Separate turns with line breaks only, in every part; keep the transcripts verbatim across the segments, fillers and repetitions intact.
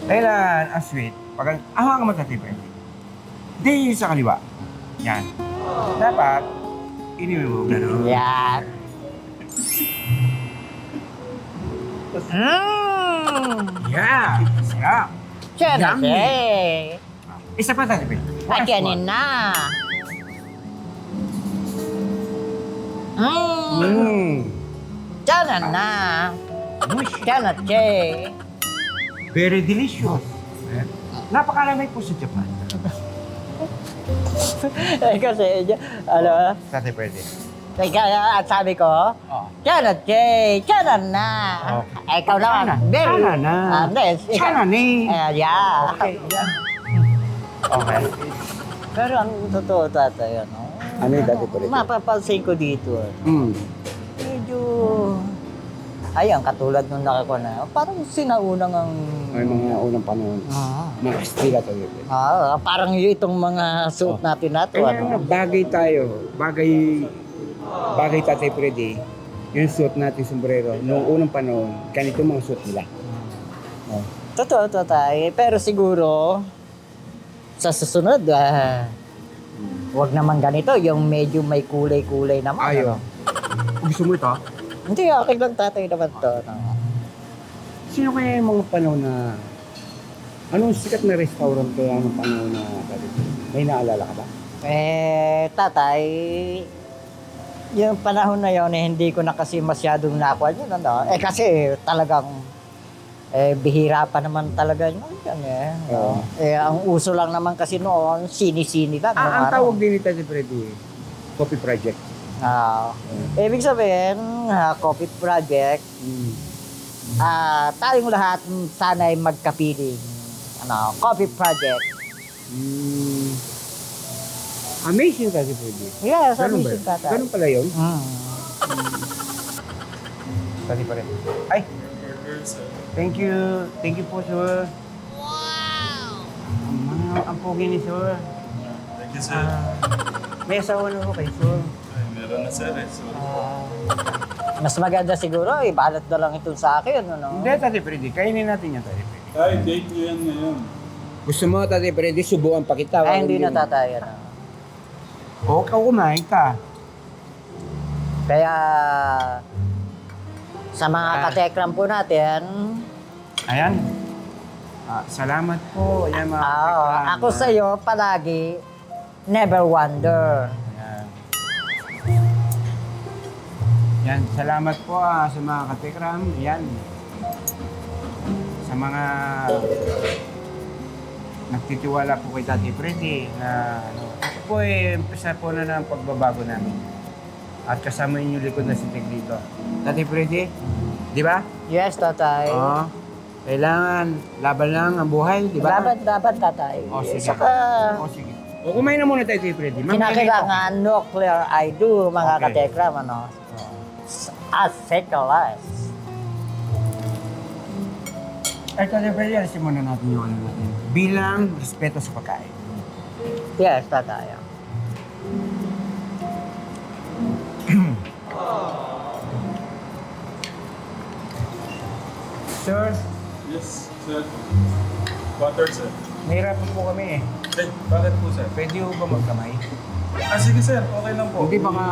Kailan ang sweet, pag ahang ka Tatay Freddy. Hindi sa kaliwa. Yan. Dapat, iniwi mo gano'n.
Yan. Mmm!
Yeah! Sarap!
Siya na
Yummy.
siya.
Isa pa Tatay Freddy.
Ay,
Last
kanin
one.
na. Mmm!
Mm.
Siya na na.
Mush.
Siya na siya.
Very delicious. Eh? Napakalamay po sa Japan.
Eh, kasi, ano,
Tatay Freddy.
kaya at sabi ko,
Oh.
siya na siya. Siya na na.
Okay.
Eh, ikaw naman.
Sana.
Very.
Sana na.
Ah, yes, ikaw-
Sana ni.
Eh, yeah.
Okay. Yeah. Okay.
Pero ang totoo tatay, ano?
Ano yung dati pa rin?
Mapapansin ko dito, ano,
Hmm.
medyo... Ayan, katulad nung nakako na, parang sinaunang ang...
May mga unang panahon.
Ah,
Mga estila tayo.
ah, parang yung itong mga suit natin na to,
Kaya nga,
ano?
bagay tayo. Bagay, bagay Tatay Freddy. Yung suit natin, sombrero. Noong unang panahon, ganito mga suit nila. Oh.
Totoo, tatay. Pero siguro, sa susunod, ah, wag naman ganito, yung medyo may kulay-kulay naman.
Ayaw.
ano?
Gusto mo ito?
Hindi, okay lang tatay naman to. No?
Sino kaya yung mga panahon na... Anong sikat na restaurant kaya ng panahon na Tatay Freddy? May naalala ka ba?
Eh, tatay, yung panahon na yon eh, hindi ko na kasi masyadong nakuha yun, ano? Eh, kasi talagang, eh, bihira pa naman talaga yun, yan eh. no?
Oo.
Eh, ang uso lang naman kasi noon, sini-sini lang. no,
Ah, ang
ano?
tawag din ni Tatay Freddy, Coffee Project.
Ah, ibig sabihin, ah, Coffee Project,
Hmm.
ah, tayong lahat mm, sana'y magkapiling. Ano, Coffee Project.
Hmm. Amazing Tatay Freddy.
Yes,
Ganun
sabi
ba?
si tatay.
Ganun pala yun?
Mm.
Tatay Freddy. Ay! Thank you. Thank you po, sir. Wow! Ang, ang pogi ni sir.
Thank you, sir.
Ah, may asawa na po kay sir.
Ay, meron na, sir. Eh. So,
Ah, mas maganda siguro, ibalot na lang ito sa akin, ano?
Hindi, Tatay Freddy. Kainin natin yan, Tatay Freddy.
ay, date nyo yan ngayon.
Gusto mo, Tatay Freddy, subukan pa kita.
Ay,
Walang
hindi na
yun.
tatay, ano?
Oo, ikaw kumain ka.
Kaya, sa mga
Ah.
katekram po natin,
Ayan. Ah, salamat po. Ayan mga
ah,
katekram.
ako sa iyo palagi, never wonder.
Ayan. Yan, salamat po ah, sa mga katekram. Yan. Sa mga nagtitiwala po kay Tatay Freddy na ano, ito po eh, umpisa po na ng pagbabago namin. At kasama yung likod na si Tig dito. Tatay Freddy, di ba?
Yes, tatay.
Oo. Kailangan, laban lang ang buhay, di ba?
Dapat, dapat tatay.
O, sige.
Saka,
O, sige. O, kumain na muna tayo, Tatay Freddy. Mamaya na ito.
kinakailangan nuclear I do, mga
Okay.
katekram, ano? As secular.
Ay, Tatay Freddy, alisin muna natin yung ano natin. Bilang respeto sa pagkain.
Yes, tatay.
Sir,
Yes, sir. Water, sir.
nahirapan po kami eh.
Eh, bakit po, sir?
Pwede ho ba magkamay?
Ah, sige, sir. Okay lang po.
Hindi baka...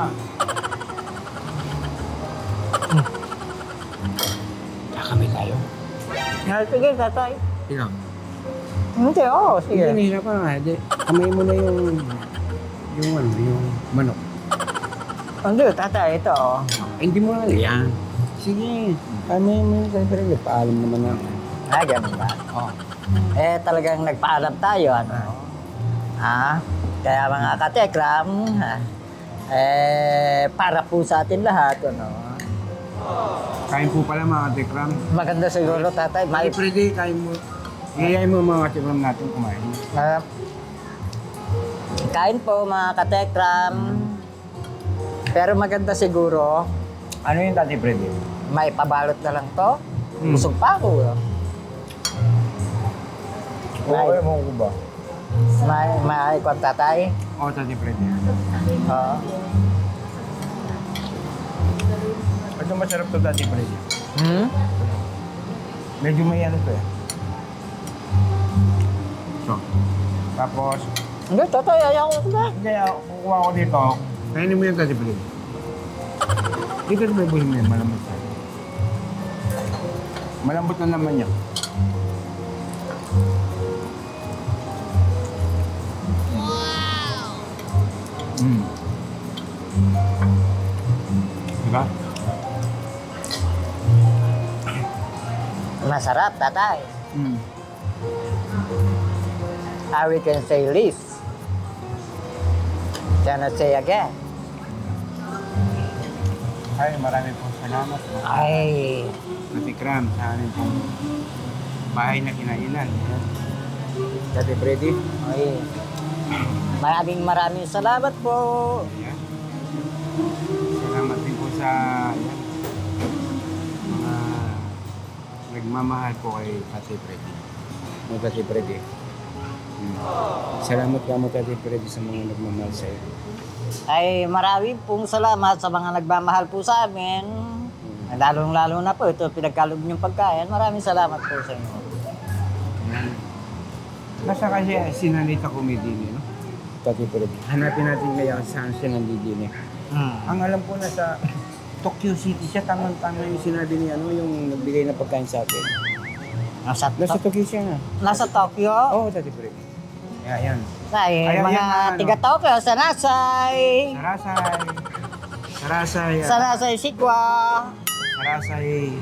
Kakamay tayo.
Yes, sige, tatay.
Ikaw.
Hindi, oo,
Hindi,
sige.
nahihirapan nga. Di, kamay mo na yung... Yung ano, yung manok.
Hindi, tatay, ito. oh.
Ay, hindi mo na yan. Sige. Ano yung mga Tatay Freddy? Paalam naman na.
Ah, ganun ba?
Oh.
Eh, talagang nagpaalam tayo, ano? Ah, kaya mga katekram, ah, eh, para po sa atin lahat, ano?
Kain po pala mga katekram.
Maganda siguro, tatay.
Tatay
May,
Freddy, kain mo. Iyayain mo mga katekram natin kumain.
ah, kain po, mga katekram. Pero maganda siguro,
Ano yung Tatay Freddy?
may pabalot na lang to.
Hmm.
Busog pa ako. no?
Oo, mo ko ba?
May, may kwan tatay.
Oo, Tatay Freddy.
Oo.
Ito masarap to, Tatay Freddy.
Hmm?
Medyo may ano to eh. ko. Tapos,
Hindi, tatay, ayaw ko na.
hindi, ah, kukuha ko dito. Kainin mo yung Tati Freddy. Dito na buhin mo yan, malambot na. Malambot na naman yan. Mm. Diba?
Masarap, tatay.
Mm.
I we can say this. Cannot say again.
Ay, marami pong salamat.
Ay,
Natikram sa amin pong bahay na kinainan. Tati Freddy.
ay. Maraming maraming salamat po.
Ayan. Salamat din po sa ayan, mga nagmamahal po kay Tati Freddy. Mo Tati Freddy. Hmm. Salamat ka mo Tati Freddy sa mga nagmamahal sa iyo.
Ay, maraming pong salamat sa mga nagmamahal po sa amin. Lalong-lalo na po, ito pinagkaloob niyong pagkain. Maraming salamat po sa inyo.
Ayan. Basta kasi sinalita comedy no? Tati Freddy. Hanapin natin ngayon saan siya nandidini.
Hmm.
Ang alam ko na sa Tokyo City siya, tamang-tama yung sinabi ni ano, yung nagbigay na pagkain sa atin.
Nasa,
Nasa
to-
Tokyo siya na.
nasa Tokyo.
Oo, oh, Tati Freddy. Ayan, yan.
Ay,
Ayaw
mga
yan na, ano.
tiga-Tokyo, Sanasay.
Sarasay. Sarasay. ah.
Sanasay Sikwa.
Sarasay.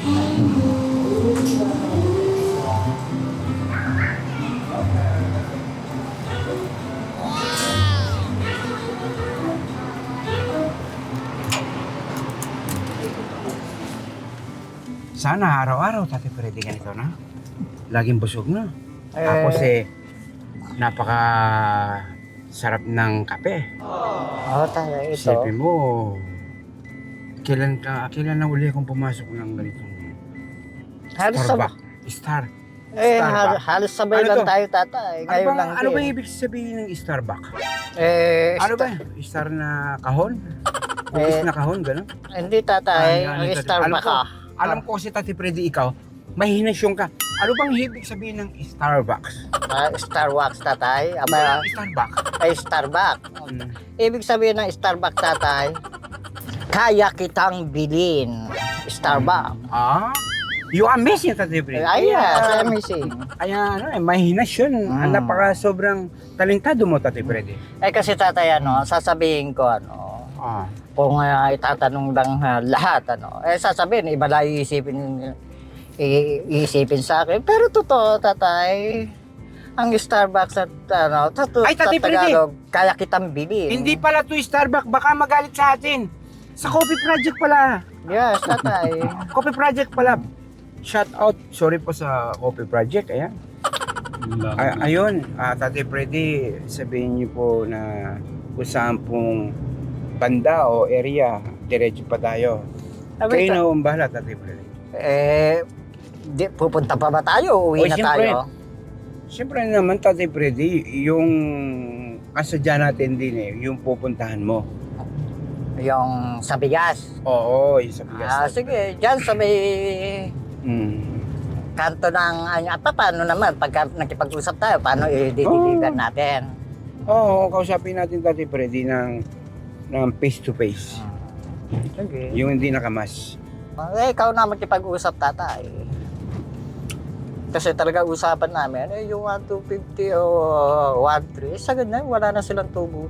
Sana araw-araw, Tati Freddy, ganito na. Laging busog na.
Eh.
Tapos eh, napaka sarap ng kape.
Oo, tayo ito.
Isipin mo, kailan, ka, kailan na uli akong pumasok ng ganitong
Halos sabay,
Starbucks? Star.
eh,
Starbucks.
hal- halos sabay
Ano
lang
to?
tayo, tatay.
Ano
Ngayon
ba,
lang
ano
din.
ba ibig sabihin ng Starbucks?
Eh,
Ano
sta-
ba? Star na kahon?
Eh,
Ubis na kahon, gano'n?
Hindi, tatay.
Ano,
Ang
ano, Tati?
Starbucks
Alam ko,
ka.
alam ko si Tati Freddy, ikaw, mahinasyon ka. Ano bang ibig sabihin ng Starbucks?
Ah, Starbucks, tatay. Aba,
Starbucks.
ay Starbucks.
Hmm.
Ibig sabihin ng Starbucks, tatay, kaya kitang bilhin. Starbucks.
Ah? You amaze niya, Tati Freddy.
Ay, yes, amazing.
Kaya ano eh, mahinasyon.
Mm.
Ang napaka sobrang talentado mo, Tati Freddy.
Eh kasi tatay, ano, sasabihin ko, ano,
Ah.
kung uh, itatanong lang uh, lahat, ano, eh sasabihin, iba lang iisipin, i- iisipin sa akin. Pero totoo, tatay, ang Starbucks at, ano, totoo,
Ay, Tati
sa
Freddy!
Tagalog, kaya kitang bilhin.
Hindi pala to Starbucks, baka magalit sa atin. Sa Coffee Project pala.
Yes, tatay.
Coffee Project pala. Shout out. Sorry po sa Coffee Project. Ayan. Ay, ayun, ah, Tati Freddy, sabihin niyo po na kung saan pong banda o area, diretso pa tayo.
Sabi,
Kayo na ang bahala, Tati Freddy.
Eh, di, pupunta pa ba tayo? Uwi
Oy,
na
siyempre.
tayo?
Siyempre naman, Tati Freddy, yung kasadya natin din eh, yung pupuntahan mo.
Yung sa bigas.
Oo, yung sa bigas.
Ah, sige, dyan sa may
Mm.
kanto ng ano, pa, paano naman pagka nakipag-usap tayo, paano i-deliver
Oh.
natin?
Oo, kausapin natin, Tati Freddy, ng, ng face to face.
Sige.
Yung hindi nakamas.
Eh, ikaw na makipag-usap, tatay. Kasi talaga usapan namin, eh, yung one two fifty o one three, eh, sagad na, wala na silang tuburo.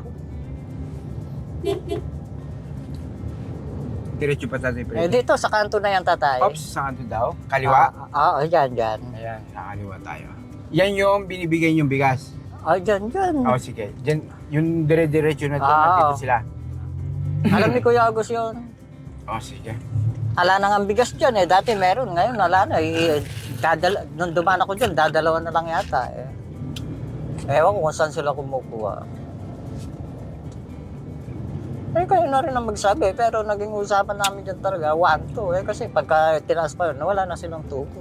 Diretso pa, Tati
Eh,
Freddy.
dito, sa kanto na yan, tatay.
Ops, sa kanto daw? Kaliwa?
Ah, Oo, dyan, dyan.
Ayan, sa kaliwa tayo. Yan yung binibigay yung bigas.
Ah, dyan, dyan.
Oo, sige. Diyan, yung dire-diretso na doon,
Ah,
nandito
oo.
sila.
Alam ni Kuya Agos yun.
Oo, sige.
Ala na nga ang bigas dyan eh. Dati meron, ngayon wala na. Eh, dadala, nung dumaan ako dyan, dadalawan na lang yata eh. Ewan ko kung saan sila kumukuha. Eh, kayo na rin ang magsabi, pero naging usapan namin dyan talaga, one, two. Eh, kasi pagka tinaas pa yun, wala na silang tubo.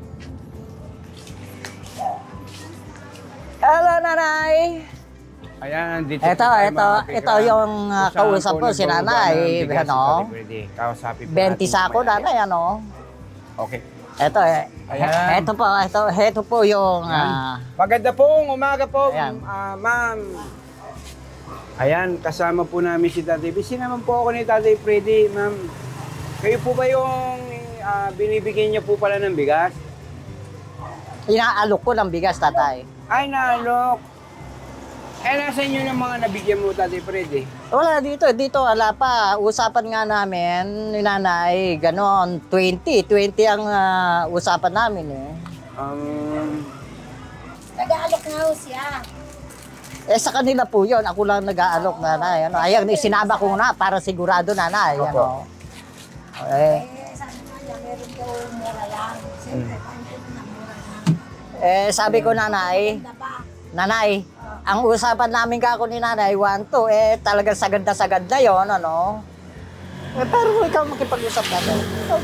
Hello, nanay!
Ayan, dito
Ito,
po tayo,
ito,
mga
ito
kapigram.
yung uh,
Kung saan
kausap
po
ko, si
nagbababa
nanay.
ng bigas si
Ano?
Tati Freddy. Kausapin po
twenty
natin
sako,
mamaya.
nanay, ano?
Okay.
Eto, eh,
Ayan.
eto po, eto, eto po yung, ah,
Maganda pong umaga po,
Ayan.
ah, ma'am. Ayan, kasama po namin si Tatay. Bisi naman po ako ni Tatay Freddy, ma'am. Kayo po ba yung ah, binibigyan niya po pala ng bigas?
inaalok ko ng bigas, tatay.
Ay, nalok. Eh, nasa inyo ng mga nabigyan mo, Tatay Freddy?
Wala dito, dito wala pa. Usapan nga namin, ni nanay, ganon, twenty. twenty ang ah, usapan namin eh.
Um,
Nag-aalok nga ho siya.
Eh sa kanila po yun, ako lang nag-aalok nanay. Ano, ayan, isinaba ko na para sigurado nanay. Ano. Eh,
Eh, sabi nga niya, meron daw mura lang. Siyempre, paano ko na mura lang?
eh sabi ko nanay,
Ganda pa.
nanay, ang usapan namin kako ni nanay, one, two, eh talagang sagad na sagad na yun, ano. Eh pero ikaw makipag-usap natin.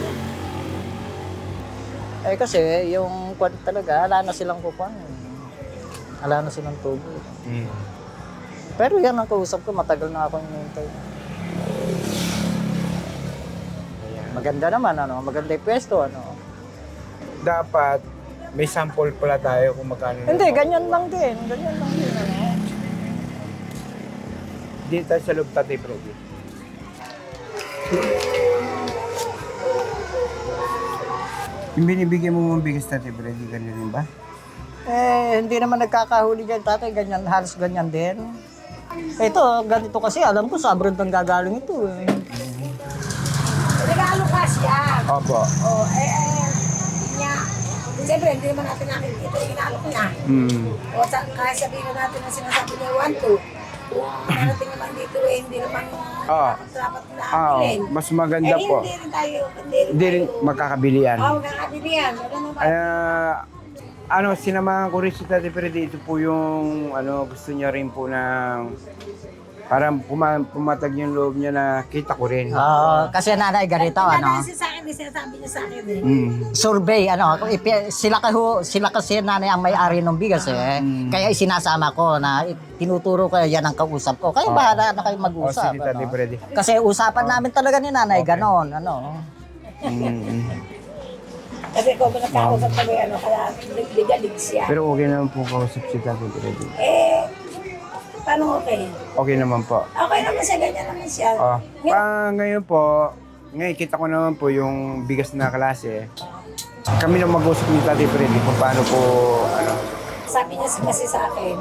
Eh kasi yung kwan talaga, wala na silang kukuan. Wala na silang tubo.
hmm.
Pero yan ang kausap ko, matagal na akong hinihintay. Maganda naman, ano, maganda yung pwesto, ano.
Dapat may sample pala tayo kung magkano.
Hindi, ganyan lang din, ganyan lang din, ano.
Dito tayo sa loob, Tatay Freddy. Yung binibigyan mo mong bigas, Tatay Freddy, ganyan rin ba?
Eh, hindi naman nagkakahuli dyan, tatay, ganyan, halos ganyan din. Ito, ganito kasi, alam ko, sa abroad nang gagaling ito, eh.
Nag-aalok nga siya.
Opo.
O, eh, eh, niya. Siyempre, hindi naman natin nakikita yung inaalok niya.
Hmm.
O, sa, kahit sabihin na natin na sinasabi niya, one, two. Kung narating naman dito, eh, hindi naman
Ah.
dapat na
Ah,
bilhin.
mas maganda
Eh,
po.
hindi rin tayo, hindi rin
Hindi rin
tayo.
magkakabilian.
Oo, magkakabilihan. Wala naman.
Kaya, ano, sinamahan ko rin si Tatay Freddy. Ito po yung, ano, gusto niya rin po ng, parang puma, pumatag yung loob niya na kita ko rin.
Oo, kasi nanay, ganito, ano.
Kasi sa akin, eh, sinasabi niya sa akin eh.
Mm.
Survey, ano, kung ipi- sila, kaho, sila kasi nanay ang may-ari ng bigas, eh. Kaya isinasama ko na tinuturo ko yan ang kausap ko. Kaya bahala na kayo
O,
mag-usap.
sige, Tatay
ano.
Freddy.
Kasi usapan namin talaga ni nanay, ganon, ano.
Mm.
Kasi kung nagkakausap kami, ano, kaya ligalig siya.
Pero okay naman po kausap si Tatay Freddy.
Eh, paano okay?
Okay naman po.
Okay naman siya, ganyan naman siya.
Ah,
Ngayon,
pa ngayon po, ngayon kita ko naman po yung bigas na klase. Kami na mag-usap ni Tatay Freddy kung paano po, ano.
sabi niya kasi sa akin,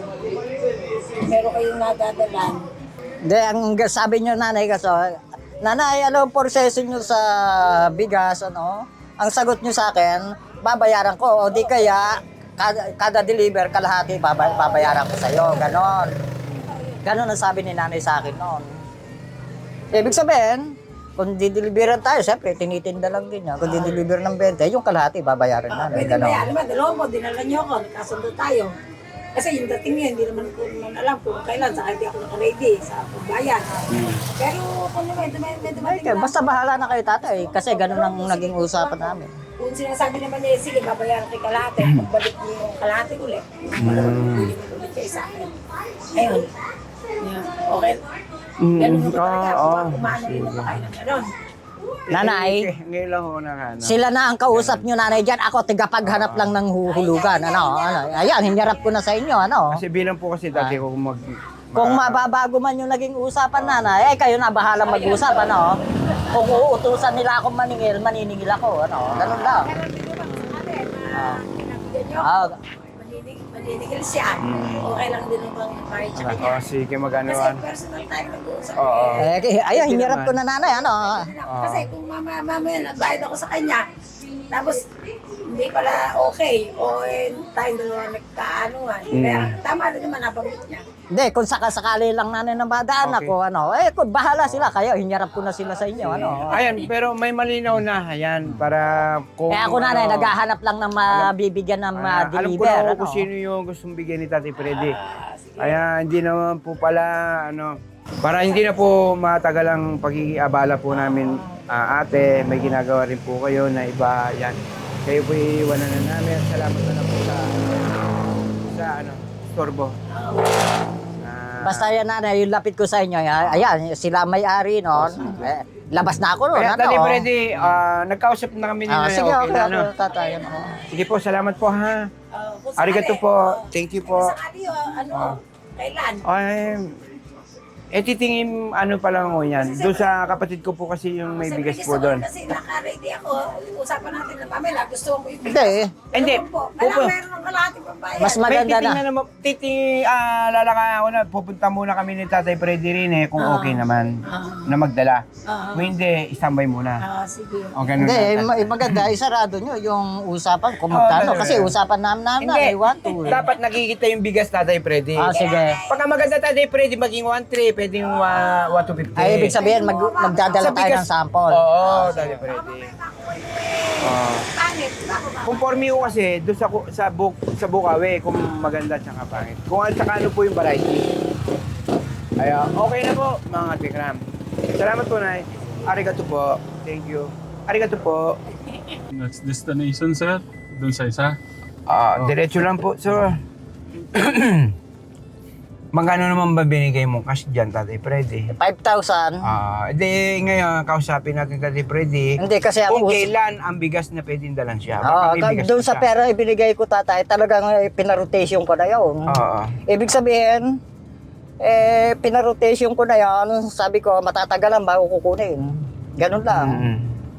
meron kayong nadadalan.
Hindi, ang g- sabi niyo nanay kasi, nanay, ano ang proseso niyo sa bigas, ano? Ang sagot niyo sa akin, babayaran ko, o di kaya, kada, kada deliver, kalahati, baba- babayaran ko sa'yo, ganon. Ganon ang sabi ni nanay sa akin noon. Ibig sabihin, kung dideliveran tayo, siyempre, tinitinda lang din yan. Kung dideliver ng twenty, yung kalahati, babayaran namin,
Pwede
ganon.
ba yan? Alam mo, dalawang mo, dinala niyo ako, nagkasundo tayo. Kasi yung dating niya, hindi naman ko naman alam kung kailan, saka hindi ako naka-ready sa pagbayan. Pero kung may, may, may
Ay,
dumating
kaya,
na,
basta bahala na kayo tatay, kasi ganon ang naging usapan namin.
kung sinasabi naman niya, sige, babayaran kay kalahati, pagbalik niyo yung kalahati ulit, bibili ulit kayo sa akin. Ayun. Yeah. Okay. Ganun mo talaga,
ah, ah,
kumano rin naman kayo ng ganon.
Nanay,
Eh, ngayon lang ako na ano.
sila na ang kausap nyo nanay dyan. Ako, tigapaghanap lang ng huhulugan. Ano, ano. Ayan, hinyarap ko na sa inyo. Ano.
Kasi bilang po kasi dati ko mag...
Kung mababago man yung naging usapan nanay, eh kayo na bahala mag-usap. Ano. Kung uutusan nila akong maningil, maniningil ako. Ano. Ganun lang.
Pero hindi naman sa atin, na pinabigyan niyo
Ah,
ako, maninig, maninigil siya. Okay lang din naman yung kahit sa kanya.
Oh, sige, mag-ano.
Kasi
ano.
personal tayo nag-uusap.
Oo.
eh.
eh, kaya- ayan, hinyarap ko na nanay. Ano.
Kasi kung mama, mamaya nagbayad ako sa kanya, tapos hindi pala okay, o eh, tayong dalawa nagkaanuhan. Kaya tama na naman nabanggit niya.
Hindi, kung sakasakali lang nanay na madaan
Okay.
ako, ano, eh, kung bahala sila. Kayo, hinyarap ko na sila sa inyo. Ano.
Ayan, pero may malinaw na. Ayan, para kung...
Eh ako nanay,
ano,
naghahanap lang ng mabibigyan ng
ah, alam ko
ma-deliver.
na
Ano.
kung sino yung gustong bigyan ni Tatay Freddy. Kaya hindi naman po pala, ano, para hindi na po matagal ang pag-iabala po namin, ah, ate, may ginagawa rin po kayo na iba, yan. Kayo po iiwanan na namin. Salamat na lang po sa, sa ano, storbo. Ah,
Basta yan nanay, yung lapit ko sa inyo, ya- ayan, sila may-ari noon. Eh, labas na ako noon.
Kaya,
Ano?
Tatay Freddy, ah, nagkausap na kami ni
Ah,
Nanay.
sige,
Okay
okay,
na,
okay,
ano?
tatay. Ano?
Sige po, salamat po ha.
Uh, kung sakali,
Arigato po.
oh,
Thank you
kung
po.
sakali, oh, ano, kailan?
Ay, eh titingin ano pa lang mo yan. Doon sa kapatid ko po kasi yung may
Kasi
bigas
gusto
po
ko
doon.
Kasi naka-ready ako. Usapan natin na pamela. Gusto ko ibigay.
Hindi.
Hindi.
Ano po?
Pupu-
Kailangan meron ng kalahating pambayad.
Mas maganda
May
na.
titingnan naman, titing, ah, lalakayan ko na, pupunta muna kami ni Tatay Freddy rin eh, kung
Ah.
okay naman,
Ah.
na magdala.
Ah.
Kung hindi, istambay muna.
Ah, sige.
O ganun
Hindi, eh,
na.
ma- eh, maganda, isarado nyo yung usapan kung
Oo,
magkano.
talaga.
Kasi usapan namin namin na,
Hindi,
I want to. eh.
dapat nakikita yung bigas Tatay Freddy.
Ah, sige.
Pagka maganda Tatay Freddy, maging one three, pwedeng uh, one two fifty.
Ay, ibig sabihin, mag, magdadala
Sa
tayo
bigas-
ng sample.
Oo, Tatay Freddy. Oo.
Pangit. Ako ba?
Conforme ko kasi doon sa ku- sa book sa Bukawi kung maganda at saka pangit. Kung at saka ano po yung variety. Ay, ah, okay na po mga tikram. Salamat po, Nay. Arigato po. Thank you. Arigato po.
Next destination, sir. Doon sa isa.
Ah, diretso lang po, sir. Magkano naman ba binigay mo cash dyan, Tatay Freddy?
five thousand.
Ah, di ngayon kausapin natin Tatay Freddy.
Hindi kasi ang
Kung
us-
kailan ang bigas na pwedeng dalan siya.
Oo,
Baka may bigas
doon
pa
sa
siya.
pera ibinigay ko tatay, talagang eh, pinarotation ko na yun.
Oo.
Ibig sabihin, eh, pinarotation ko na yan. Sabi ko, matatagalan bago kukunin. Ganun lang.
Mm.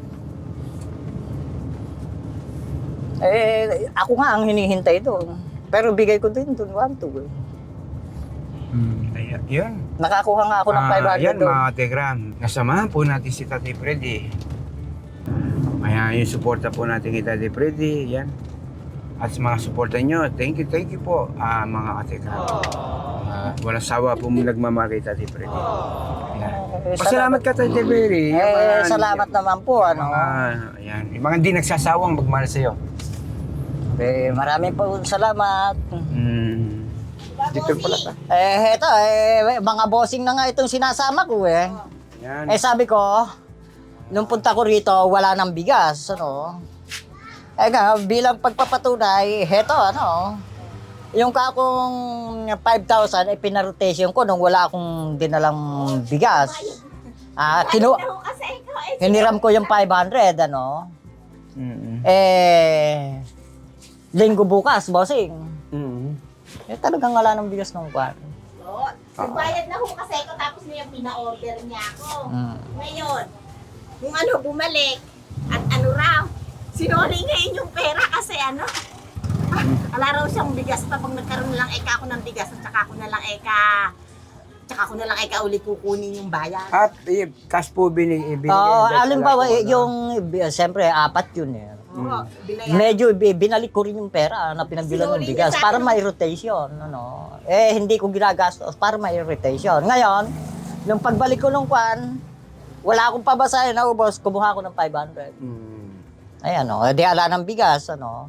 Eh, ako nga ang hinihintay doon. Pero bigay ko din doon, one, two. eh.
Mm. Ayan, yun.
Nakakuha nga ako ng
Ah,
five hundred
yan
doon.
mga Tegram. Kasamahan po natin si Tatay Freddy. Kaya yung suporta po natin kay Tatay Freddy. Yan. At sa mga suporta nyo, thank you, thank you po ah, mga Tegram. Ah, walang sawa po nagmamahal kay Tatay Freddy. Yan.
Eh,
Pasalamat ka Tatay Freddy. Yung
Eh,
mga-
salamat naman po. Ano.
Mga, yan. Yung mga hindi nagsasawang magmahal sa'yo.
Eh, maraming po salamat.
Mm. Dito pala ta.
Eh, eto, eh, mga bossing na nga itong sinasama ko eh.
Yan.
Eh, sabi ko, nung punta ko rito, wala nang bigas, ano. Eh nga, bilang pagpapatunay, heto, ano, yung kakong five thousand, eh, pinarotation ko nung wala akong dinalang bigas. Ah, kinu
Ano kasi ikaw eh.
hiniram ko yung five hundred, ano.
Mm.
Eh, linggo bukas, bossing.
Mm.
Eh, talagang wala nang bigas nung kwarto.
Oo. Nagbayad na ho kasi ako tapos na yung pina-order niya ako.
Mm.
Ngayon, kung ano, bumalik at ano raw, sinuli ngayon yung pera kasi ano, wala raw siyang bigas pa pag nagkaroon lang eka ako ng bigas at saka ako na lang eka, tsaka ako na lang eka ulit kukunin yung bayan.
At eh, cash po binig ibinigay.
Oo,
dahil
alimbawa,
wala po,
eh,
ano.
yung, eh, siyempre, apat yun eh.
Oo, binayan.
Medyo bi- binalik ko rin yung pera na pinagbilan ng
Sinuli
bigas
niya sa
para
akin.
may rotation. Ano. Eh, hindi ko ginagastos para may rotation. Ngayon, nung pagbalik ko nung kwan, wala akong pabasahin na ubos, kumuha ko ng five hundred.
Mm.
Ayan, o, di ala ng bigas, ano.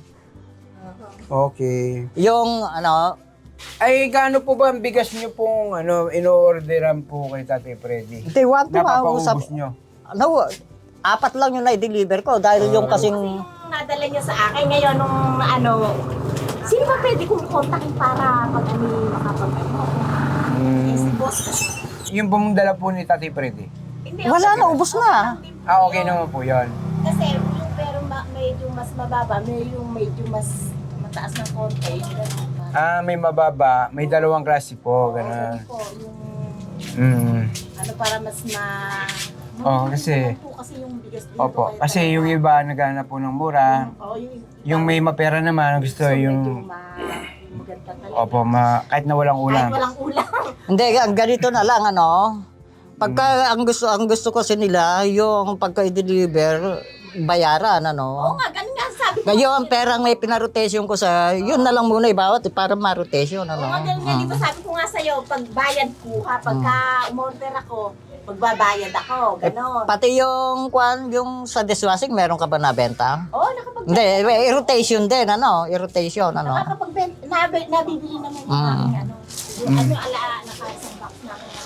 Okay.
Yung, ano,
Ay, gaano po ba ang bigas nyo pong ano, in-orderan po kay Tatay Freddy?
they want to mausap.
Napapaubos nyo?
Ano, apat lang yung na-deliver ko dahil yung kasing,
Yung nadala niya sa akin ngayon nung ano, sino ba pwede kong kontakin para pag ano makapag ano? Eh, si boss.
Yung pong dala po ni Tatay Freddy?
Hindi,
wala
ako-
na, ubos na.
Ah, okay naman po yun.
Kasi yung pero ma- medyo mas mababa, may yung medyo mas mataas ng konti. Yung ganun.
Ah, may mababa, may dalawang klase po,
Sabi
gano'n.
ko, yung
Mm.
ano para mas ma...
Oo, kasi-
po kasi yung bigas dito.
Opo,
kaya
kasi
talaga-
yung iba naghanap po ng mura.
Oo, yung,
Yung may mapera naman, gusto
so, medyo
yung...
ma, maganda talaga.
Opo, ma, kahit na walang
Kahit
ulam.
walang ulam.
hindi, ang ganito na lang, ano, pagka ang gusto, ang gusto kasi nila, yung pagka i-deliver, bayaran,
Oo
ano.
nga, ganun nga sabi ko.
Ngayon, ang perang may pinarotation ko sa, yun na lang muna ibawat eh, para ma-rotation, ano.
Oo nga, ganun nga, di ba sabi ko nga sa'yo, pag bayad ko ha, pagka umorder ako, magbabayad ako, gano'n.
Pati yung, kwan, yung sa dishwashing, meron ka ba nabenta?
Oo, nakapag
Hindi, eh, rotation din, ano, i-rotation, ano.
Nakakapag nabi, nabibili naman yung
Mm.
aming ano. Yung ano, ala, naka-isang box na ako.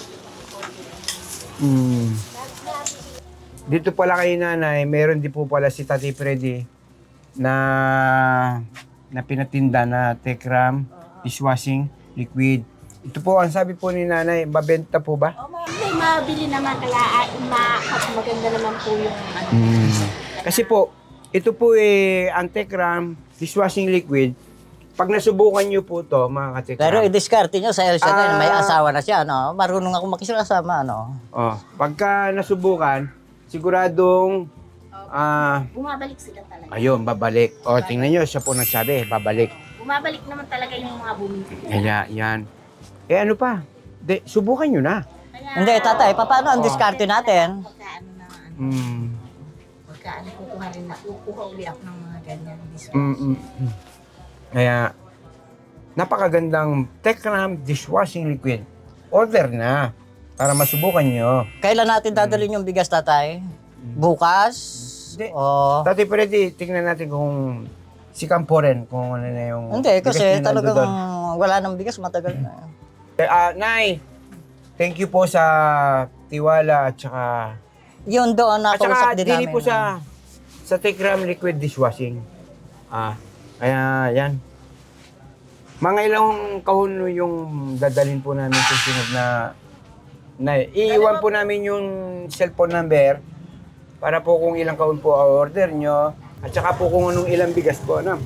Mm.
Nabibili.
Dito pala kay nanay, meron din po pala si Tatay Freddy na na pinatinda na Tekram, dishwashing, liquid. Ito po, ang sabi po ni nanay, mabenta po ba?
Oh, may, may mabili naman, kaya ah, ma, maganda naman po yung ano.
Mm. Kasi po, ito po eh, Antekram dishwashing liquid. Pag nasubukan nyo po to, mga katikram.
Pero i-discarte nyo sa Elsa ngayon, may
Ah.
asawa na siya, no? Marunong ako makisama, no?
Oh, pagka nasubukan, siguradong ah
Bumabalik sila talaga.
ayun, babalik. O, tingnan nyo, siya po nagsabi, babalik.
Bumabalik naman talaga yung mga bumibili.
Kaya, yan. Eh, ano pa? De, subukan nyo na.
Kaya,
Hindi, tatay, pa- paano ang diskarte natin?
Pagka ano na, ano,
Mm.
pagka ano, kukuha rin na, kukuha uli ako ng mga ganyan.
Mm, mm, mm. Kaya, napakagandang Tekram dishwashing liquid. Order na para masubukan nyo.
Kailan natin dadalhin yung bigas, tatay? Bukas?
Hindi.
O...
Dati pwede, tingnan natin kung si Campo rin, kung ano na yung...
Hindi,
bigas
kasi
na
talagang
nandoon.
wala nang bigas, matagal na.
Eh, ah, Nay, thank you po sa tiwala at saka...
Yun doon
At
nakausap
saka,
din
dili
namin.
po sa sa Tekram liquid dishwashing. Ah, kaya yan. Mga ilang kahon yung dadalhin po namin sa sunod na na iiwan po namin yung cellphone number para po kung ilang kahon po ang order nyo at saka po kung anong ilang bigas po, ano.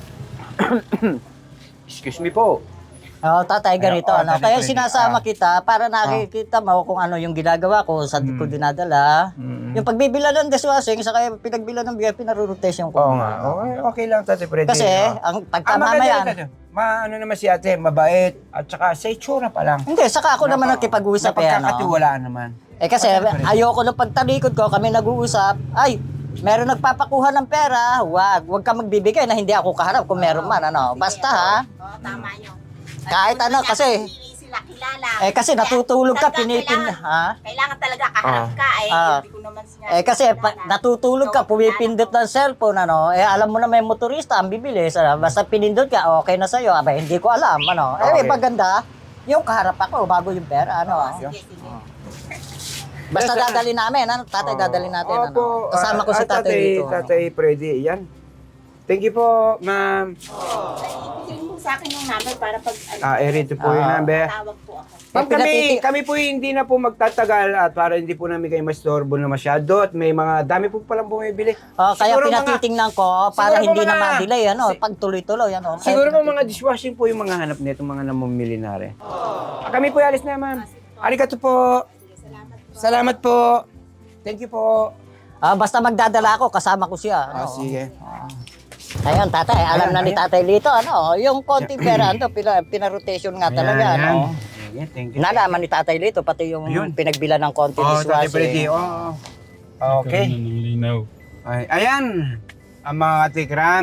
Excuse me po.
Oo, tatay, ganito.
Ay, oo,
ano?
tatay,
Kaya
pwede.
sinasama
Ah.
kita para nakikita mo kung ano yung ginagawa ko, saan ko dinadala.
Mm.
Yung pagbibila ng dishwashing, saka yung pinagbila ng bigas, pinarurotation ko.
Oo nga. Okay, okay lang, Tate Freddy.
Kasi,
Oo.
ang
Ah,
pagka
maganda
mamaya,
yun, Tate. Ma, ano naman si ate, mabait. At saka sa itsura pa lang.
hindi, saka ako naman nakipag-usap eh, ano.
Napagkakatiwalaan naman.
Eh kasi, ayoko nung pagtalikod ko, kami nag-uusap, ay, meron nagpapakuha ng pera, wag, wag ka magbibigay na hindi ako kaharap kung meron man, ano. Basta ha,
Oo, tama yun.
kahit ano, kasi,
Hindi sila kilala.
eh kasi
Kaya,
natutulog ka,
talaga
pinipin,
kailangan-
ha?
Kailangan talaga kaharap ka eh.
Ah.
Hindi ko naman siya
Eh kasi pa,
kilala.
natutulog ka,
So,
pumipindot ng cellphone, ano, eh alam mo na may motorista ang bibilis, ano, basta pinindot ka, okay na sa'yo, abay, hindi ko alam, ano. Eh,
Okay.
maganda, yung kaharap ako, bago yung pera, ano.
Oo, sige, sige.
Basta
Yes,
dadali namin, ano, tatay, dadali natin, ano.
Opo,
Kasama ko si
ah,
tatay dito. ano.
Tatay Freddy, yan. Thank you po, ma'am.
Ibigay mo sa akin yung number para pag ano,
Ah, eh, rito po yung
Ah.
number.
tawag po ako.
Ma'am,
Eh,
kami,
pinatiti-
kami po hindi na po magtatagal at para hindi po namin kayo mastorbo na masyado at may mga dami po palang bumibili.
Oh, kaya
Siguro mga-
pinatitingnan ko para
siguro
hindi
mga-
na ma-delay, ano,
si-
pag tuloy-tuloy, ano. Kaya
Siguro po
pinatitingnan.
mga dishwashing po yung mga hanap nito, mga namumili na rin. Ah, kami po alis na, ma'am. Arigato po. Salamat po. Thank you po.
Ah, basta magdadala ako, kasama ko siya.
Ah,
Ano.
sige.
Ayun, tatay, alam
Ayan,
na ni
ayan.
tatay Lito, ano, yung konting pera, ano, pina, pinarotation nga talaga,
Ayan,
ano.
ayan. Sige, thank you.
Nalaman ni tatay Lito, pati yung
Ayun.
pinagbila ng konting
Oh, Tatay Freddy.
dishwashing.
Oh.
Nagkaroon
Okay.
na ng linaw.
Ay, ayan, ang mga tikram.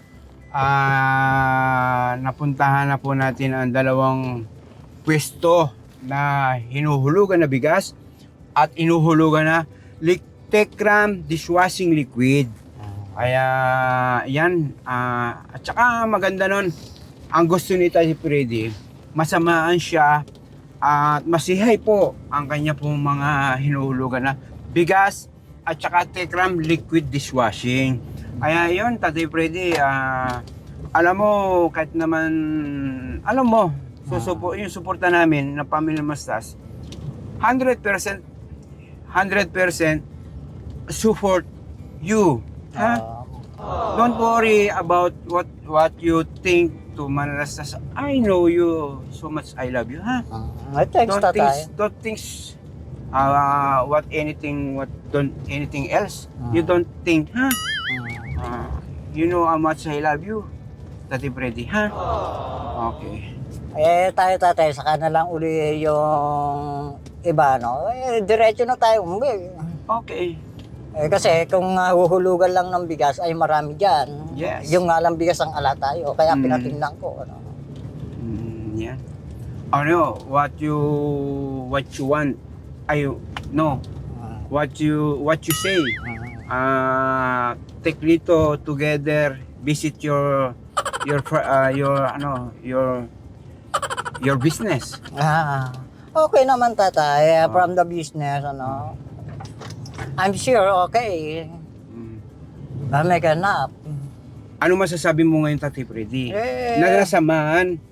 Ah, napuntahan na po natin ang dalawang pwesto na hinuhulugan na bigas at inuhulugan na lik- Tekram dishwashing liquid. Kaya yan, ah, at saka maganda nun, ang gusto ni Tatay Freddy, masamaan siya at masihay po ang kanya pong mga hinuhulugan na bigas at saka Tekram liquid dishwashing. Kaya yun, Tatay Freddy, ah, alam mo, kahit naman, alam mo, susupo, yung suporta namin ng Pamilya Mastas, one hundred percent, one hundred percent support you. Ha?
Ah,
Don't worry about what what you think to Manalastas. I know you so much. I love you, ha?
ah, thanks,
Don't
tatay.
think, don't think uh, what anything, what don't anything else. You don't think, ha? Uh, you know how much I love you, Tati Freddy, ha? Okay.
Eh, tayo, tatay, saka na lang uli yung iba, no? Eh, diretso na tayo umuwi.
Okay.
Eh, kasi kung uh, huhulugan lang ng bigas, ay marami dyan.
Yes.
Yung nga lang bigas ang ala tayo, kaya
Mm.
pinatingnan ko, ano.
Mm, yeah. Ano, what you what you want? Ay, no.
Ah,
What you what you say?
ah.
Uh, take Lito together, visit your your fr- uh, your ano, your your business.
Ah, okay naman, tatay,
Ah.
from the business, ano. I'm sure, okay.
Mm.
I'll make enough.
Ano masasabi mo ngayon, Tati Freddy?
Eh.
Naglasamaan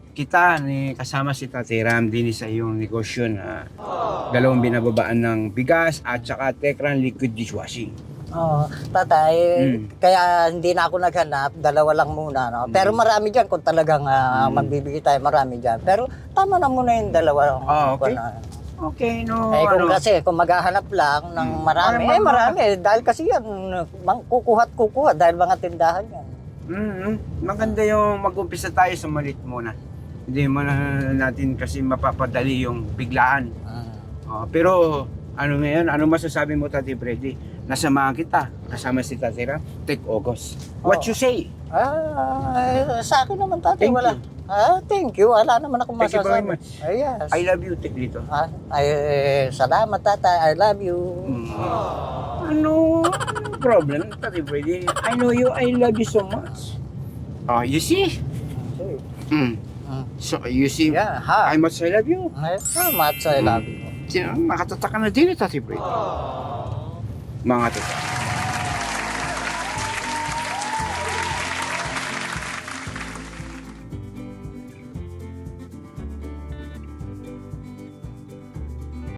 kita ni kasama si Tatay Ram din sa iyong negosyo na dalawang binababaan ng bigas at saka Tekran liquid dishwashing.
Oo, tatay,
Mm.
kaya hindi na ako naghanap, dalawa lang muna, no? Pero marami dyan, kung talagang ah,
Mm.
magbibigay tayo, marami dyan. Pero tama na muna yung dalawa.
Ah, okay.
Ano.
Okay, no.
Eh kung
ano,
kasi, kung maghahanap lang ng
Mm.
marami,
Ay,
eh
ma-
marami. Dahil kasi yan, mang, kukuhat kukuha dahil mga tindahan yan.
mm, maganda yung mag-umpisa tayo sa malit muna. Hindi mo na natin kasi mapapadali yung biglaan.
Mm.
Oh, pero ano ngayon, ano masasabi mo, Tati Freddy? Nasamahan kita, kasama si Tati Ram, take August. What
Oo.
you say?
Ah, eh, sa akin naman tatay,
Thank
wala.
you.
Ah, thank you. Wala naman ako
Thank you very
masasabi.
much.
Ah, yes.
I love you, take dito.
Ah, ay, eh, salamat tatay. I love you.
Mm. Ano problem, Tati Freddy? I know you, I love you so much. Oh, you see? Mm.
Mm.
So, you see,
Yeah, ha.
I much I love you.
Ay, salamat sa I love you.
Sino, makatataka na din, Tati Freddy. Mga tata.